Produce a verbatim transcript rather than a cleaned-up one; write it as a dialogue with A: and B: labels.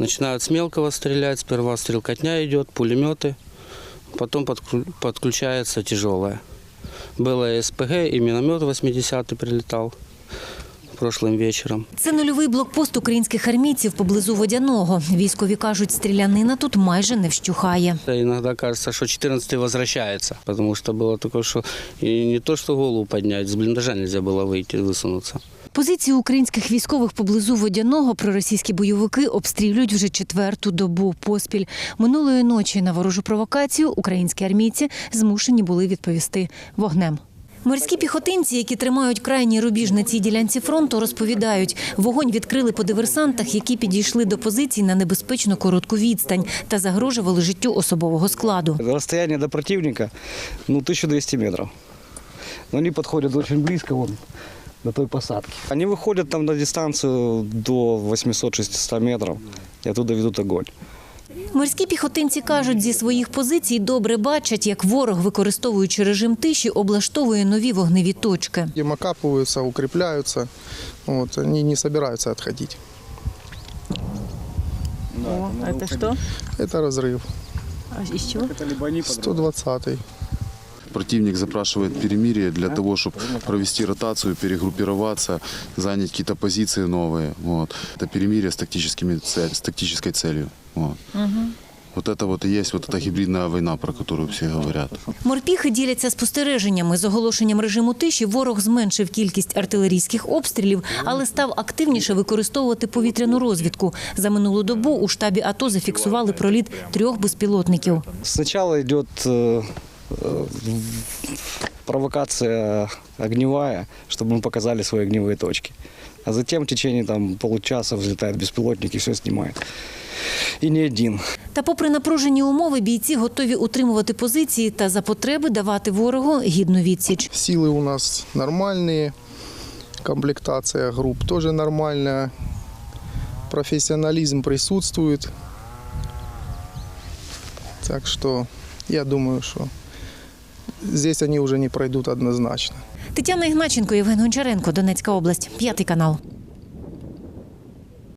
A: Начинают с мелкого стрелять, сперва стрелкотня идет, пулеметы, потом подключается тяжелая. Было и СПГ, и миномет восьмидесятый прилетал прошлым вечором.
B: Це нульовий блокпост українських армійців поблизу Водяного. Військові кажуть, стрілянина тут майже не вщухає.
A: Иногда кажется, что четырнадцатый возвращается, потому что было такое, что и не то, что голову поднять, с блиндажа нельзя было выйти, высунуться.
B: Позиції українських військових поблизу Водяного проросійські бойовики обстрілюють вже четверту добу поспіль. Минулої ночі на ворожу провокацію українські армійці змушені були відповісти вогнем. Морські піхотинці, які тримають крайній рубіж на цій ділянці фронту, розповідають, вогонь відкрили по диверсантах, які підійшли до позицій на небезпечно коротку відстань та загрожували життю особового складу.
C: Розстояння до противника ну, тисяча двісті метрів. Вони підходять дуже близько вон, до той посадки. Вони виходять там на дистанцію до вісімсот-шістсот метрів і оттуда ведуть огонь.
B: Морські піхотинці кажуть, зі своїх позицій добре бачать, як ворог, використовуючи режим тиші, облаштовує нові вогневі точки.
D: Им окапываются, укрепляются, вот, они не собираются отходить.
E: О, это что?
D: Это разрыв.
E: А из чего?
D: сто двадцатый.
F: Противник запрашивает перемирие для того, чтобы провести ротацию, перегруппироваться, занять какие-то позиции новые. Вот. Это перемирие с, тактическими цель, с тактической целью. Вот. Угу. Вот это вот и есть вот эта гибридная война, про которую все говорят.
B: Морпіхи діляться спостереженнями. З оголошенням режиму тиші ворог зменшив кількість артилерійських обстрілів, але став активніше використовувати повітряну розвідку. За минулу добу у штабі АТО зафіксували проліт трьох безпілотників.
C: Спочатку йде провокация огневая, чтобы мы показали свои огневые точки. А затем в течение там, получаса взлетает беспилотник и все снимает. І не один.
B: Та попри напружені умови, бійці готові утримувати позиції та за потреби давати ворогу гідну відсіч.
D: Силы у нас нормальные, комплектация групп тоже нормальная, профессионализм присутствует. Так что я думаю, что здесь они уже не пройдут однозначно.
B: Тетяна Ігначенко, Євген Гончаренко, Донецька область, п'ятий канал.